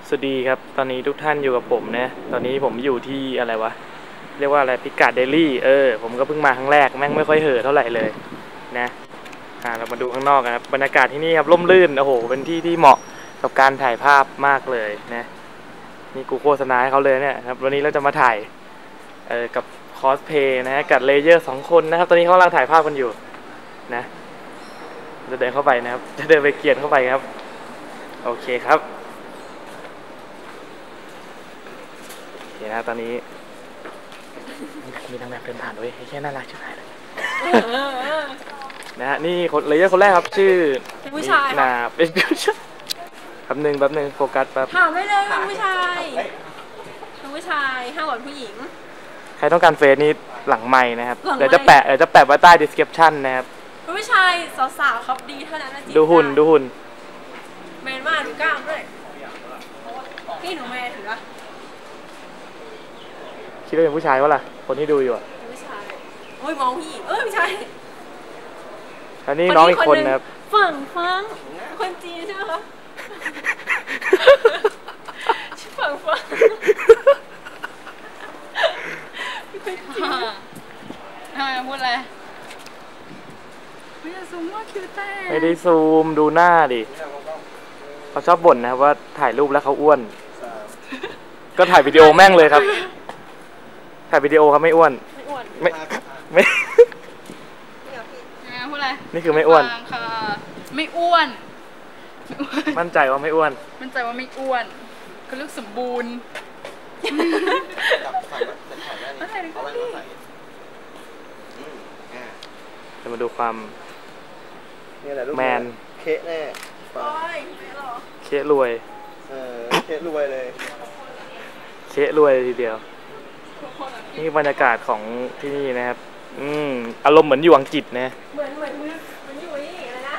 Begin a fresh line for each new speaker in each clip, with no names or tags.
สวัสดีครับตอนนี้ทุกท่านอยู่กับผมนะตอนนี้ผมอยู่ที่อะไรวะเรียกว่าอะไรพิกัดเดลี่ผมก็เพิ่งมาครั้งแรกแม่งไม่ค่อยเห่อเท่าไหร่เลยนะเรามาดูข้างนอกนะครับบรรยากาศที่นี่ครับร่มรื่นโอ้โหเป็นที่ที่เหมาะกับการถ่ายภาพมากเลยนะนี่กูโฆษณาให้เขาเลยเนี่ยครับวันนี้เราจะมาถ่ายกับคอสเพย์นะกับเลเยอร์2 คนนะครับตอนนี้เขากำลังถ่ายภาพกันอยู่นะจะเดินเข้าไปนะครับจะเดินไปเกียนเข้าไปครับโอเคครับเห็นนะตอนนี้มีนางแบบเดินผ่านด้วยแค่น่ารักชิบหายเลยนะฮะนี่คนเลเยอร์คนแรกครับชื่อ
ผู้ชาย
เป็นผู้ชายแป๊บหนึ่งโฟกัสแป๊บ
ถามไม่เลยเป็นผู้ชายห้ามหวานผู้หญิง
ใครต้องการเฟซนี้หลังไม้นะครับเดี๋ยวจะแปะไว้ใต้ description นะครับ
ผู้ชายสาวๆครับดีเท่านั้นนะจี
ดูหุ่น
แมนมากดูกล้ามด้วยพี่หนูแมนถือว่า
คิดว่าเป็นผู้ชายวะล่ะคนที่ดูอยู่อ่ะ
ผู้ชายโอ้ยมองผู้หญิงไม่ใช่
อันนี้น้องอีกคนนะครับ
ฝั่งคนจีนใช่ไหมคะชื่อฝั่งทำไมพูดอะไรไม่ได้ซูมว่าคิวแต่
ไม่ได้ซูมดูหน้าดิเขาชอบบ่นนะครับว่าถ่ายรูปแล้วเขาอ้วนก็ถ่ายวิดีโอแม่งเลยครับถ่ายวิดีโอครับไม่อ้วนไม่
พูดอะไร
นี่คือไม่อ้วน
ค่ะไม่อ้วน
มั่นใจว่าไม่อ้วน
ก็ลูกสมบูรณ์
จะมาดูความแมน
เคะแน่
เคะรวย
เคะรวยเลย
เคะรวยทีเดียวนี่บรรยากาศของที่นี่นะครับอารมณ์เหมือนอยู่อังกฤษนะ
เหมือนอยู่นี่อะไรนะ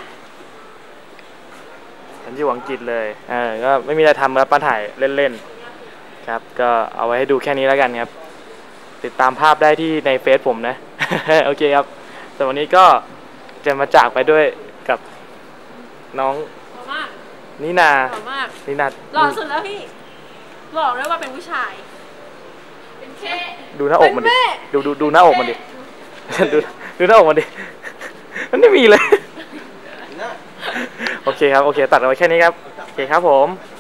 เหมือนอยู่อังกฤษเลยก็ไม่มีอะไรทำครับมาถ่ายเล่นๆครับก็เอาไว้ให้ดูแค่นี้แล้วกันครับติดตามภาพได้ที่ในเฟซผมนะ โอเคครับแต่วันนี้ก็จะมาจากไปด้วยกับน้องนินา
หล่อสุดแล้วพี่บอกเลยว่าเป็นผู้ชายเป็นเท่
ดูหน้าอกมันดิดูหน้าอกมันดิดูหน้าอกมันดิมันไม่มีเลยโอเคครับโอเคตัดเอาไว้แค่นี้ครับโอเคครับผม